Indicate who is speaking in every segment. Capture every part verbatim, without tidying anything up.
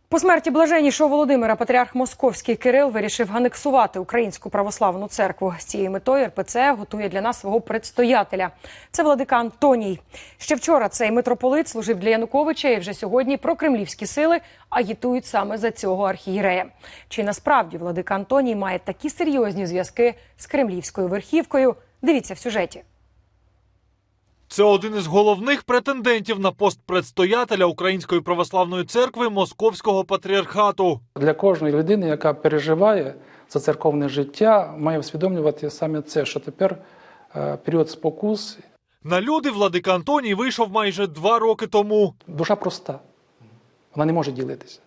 Speaker 1: По смерті блаженнішого Володимира патріарх Московський Кирил вирішив анексувати Українську православну церкву. З цією метою ер пе це готує для нас свого предстоятеля. Це владика Антоній. Ще вчора цей митрополит служив для Януковича, і вже сьогодні прокремлівські сили агітують саме за цього архієрея. Чи насправді владика Антоній має такі серйозні зв'язки з кремлівською верхівкою? Дивіться в сюжеті.
Speaker 2: Це один із головних претендентів на пост предстоятеля Української православної церкви Московського патріархату.
Speaker 3: Для кожної людини, яка переживає за церковне життя, має усвідомлювати саме це, що тепер е, період спокус.
Speaker 2: На люди владика Антоній вийшов майже два роки тому.
Speaker 3: Душа проста. Вона не може ділитися.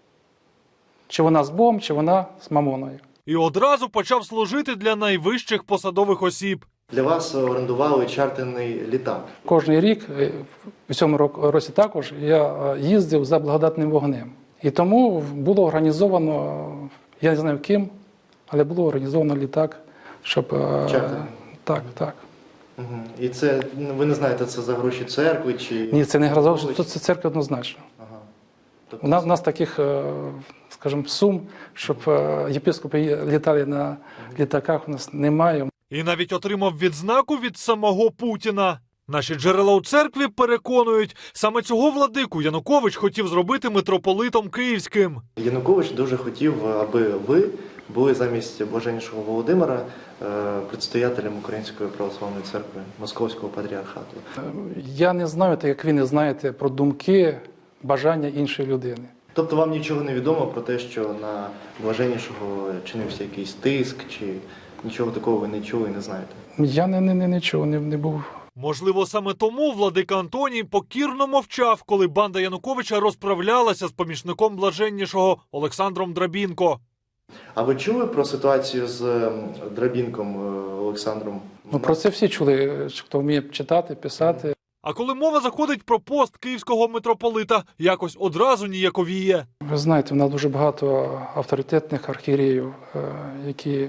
Speaker 3: Чи вона з Богом, чи вона з мамоною.
Speaker 2: І одразу почав служити для найвищих посадових осіб.
Speaker 4: Для вас орендували чартерний літак.
Speaker 3: Кожний рік, у цьому році також, я їздив за благодатним вогнем. І тому було організовано, я не знаю ким, але було організовано літак, щоб...
Speaker 4: Чартерний?
Speaker 3: Так, так.
Speaker 4: Угу. І це, ви не знаєте, це за гроші церкви чи...
Speaker 3: Ні, це не гроші, це церкви однозначно.
Speaker 4: Ага. Тобто...
Speaker 3: У нас, у нас таких, скажімо, сум, щоб єпископи літали на літаках, у нас немає.
Speaker 2: І навіть отримав відзнаку від самого Путіна. Наші джерела у церкві переконують, саме цього владику Янукович хотів зробити митрополитом київським.
Speaker 4: Янукович дуже хотів, аби ви були замість блаженнішого Володимира предстоятелем Української православної церкви Московського патріархату.
Speaker 3: Я не знаю, так як ви не знаєте про думки, бажання іншої людини.
Speaker 4: Тобто вам нічого не відомо про те, що на блаженнішого чинився якийсь тиск, чи нічого такого ви не чули і не знаєте?
Speaker 3: Я не, не, не, нічого не, не був.
Speaker 2: Можливо, саме тому владика Антоній покірно мовчав, коли банда Януковича розправлялася з помічником блаженнішого Олександром Драбінко.
Speaker 4: А ви чули про ситуацію з Драбінком Олександром?
Speaker 3: Ну, про це всі чули, хто вміє читати, писати.
Speaker 2: А коли мова заходить про пост київського митрополита, якось одразу ніяковіє.
Speaker 3: Ви знаєте, в нас дуже багато авторитетних архієреїв, які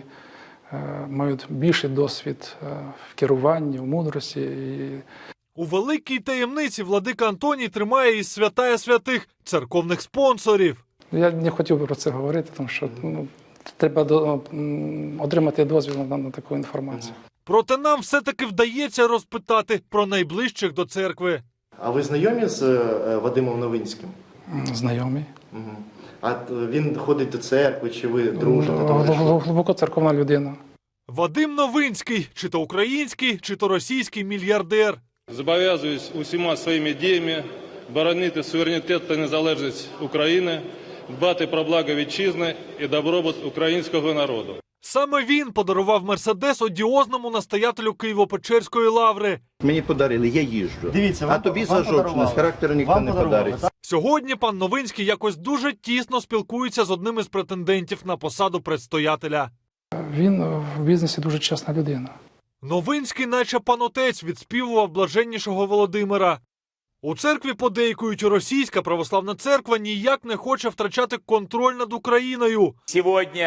Speaker 3: мають більший досвід в керуванні, в мудрості. І...
Speaker 2: У великій таємниці владика Антоній тримає із святая святих церковних спонсорів.
Speaker 3: Я не хотів би про це говорити, тому що ну, треба до, отримати дозвіл на, на таку інформацію.
Speaker 2: Проте нам все-таки вдається розпитати про найближчих до церкви.
Speaker 4: А ви знайомі з Вадимом Новинським?
Speaker 3: Знайомі.
Speaker 4: Угу. А він ходить до церкви, чи ви дружите?
Speaker 3: Глибоко церковна людина.
Speaker 2: Вадим Новинський, чи то український, чи то російський мільярдер.
Speaker 5: Зобов'язуюсь усіма своїми діями боронити суверенітет та незалежність України, дбати про благо вітчизни і добробут українського народу.
Speaker 2: Саме він подарував Мерседес одіозному настоятелю Києво-Печерської лаври.
Speaker 6: Мені подарили, я їжджу.
Speaker 4: Дивіться, вам,
Speaker 6: а тобі
Speaker 4: вам
Speaker 6: за з характеру ніхто
Speaker 4: вам
Speaker 6: не подарить.
Speaker 2: Сьогодні пан Новинський якось дуже тісно спілкується з одним із претендентів на посаду предстоятеля.
Speaker 3: Він в бізнесі дуже чесна людина.
Speaker 2: Новинський, наче пан отець, відспівував блаженнішого Володимира. У церкві подейкують, російська православна церква ніяк не хоче втрачати контроль над Україною.
Speaker 7: Сьогодні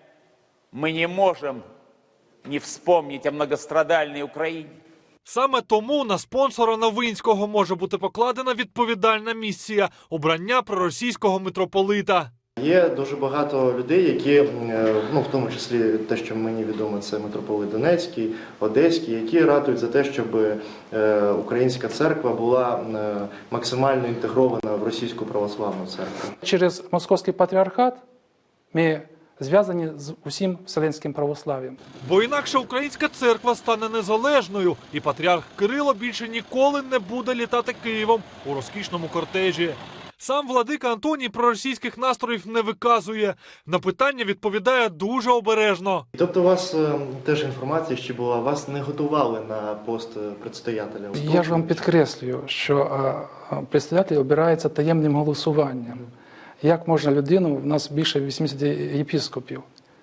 Speaker 7: ми не можемо не вспомнити о многострадальній Україні.
Speaker 2: Саме тому на спонсора Новинського може бути покладена відповідальна місія – обрання проросійського митрополита. Є
Speaker 4: дуже багато людей, які, ну, в тому числі те, що мені відомо, це митрополит Донецький, Одеський, які ратують за те, щоб українська церква була максимально інтегрована в російську православну церкву.
Speaker 3: Через Московський патріархат ми зв'язані з усім вселенським православ'ям.
Speaker 2: Бо інакше українська церква стане незалежною, і патріарх Кирило більше ніколи не буде літати Києвом у розкішному кортежі. Сам владика Антоній проросійських настроїв не виказує. На питання відповідає дуже обережно.
Speaker 4: Тобто у вас е, теж інформація ще була, вас не готували на пост предстоятеля?
Speaker 3: Я ж вам підкреслюю, що е, предстоятель обирається таємним голосуванням. Як можна людину, в нас більше вісімдесят єпископів,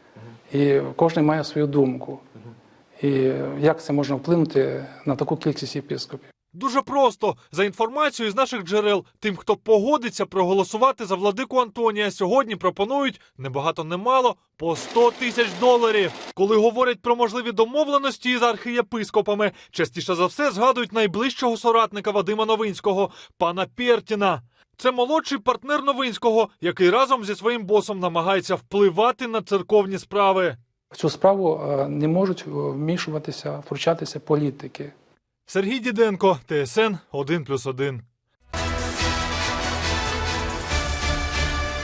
Speaker 3: і кожен має свою думку. І як це можна вплинути на таку кількість єпископів?
Speaker 2: Дуже просто. За інформацією з наших джерел, тим, хто погодиться проголосувати за владику Антонія, сьогодні пропонують, небагато немало, по сто тисяч доларів. Коли говорять про можливі домовленості із архієпископами, частіше за все згадують найближчого соратника Вадима Новинського, пана Пєртіна. Це молодший партнер Новинського, який разом зі своїм босом намагається впливати на церковні справи.
Speaker 3: В цю справу е, не можуть вмішуватися, втручатися політики.
Speaker 2: Сергій Діденко, Т С Н один плюс один.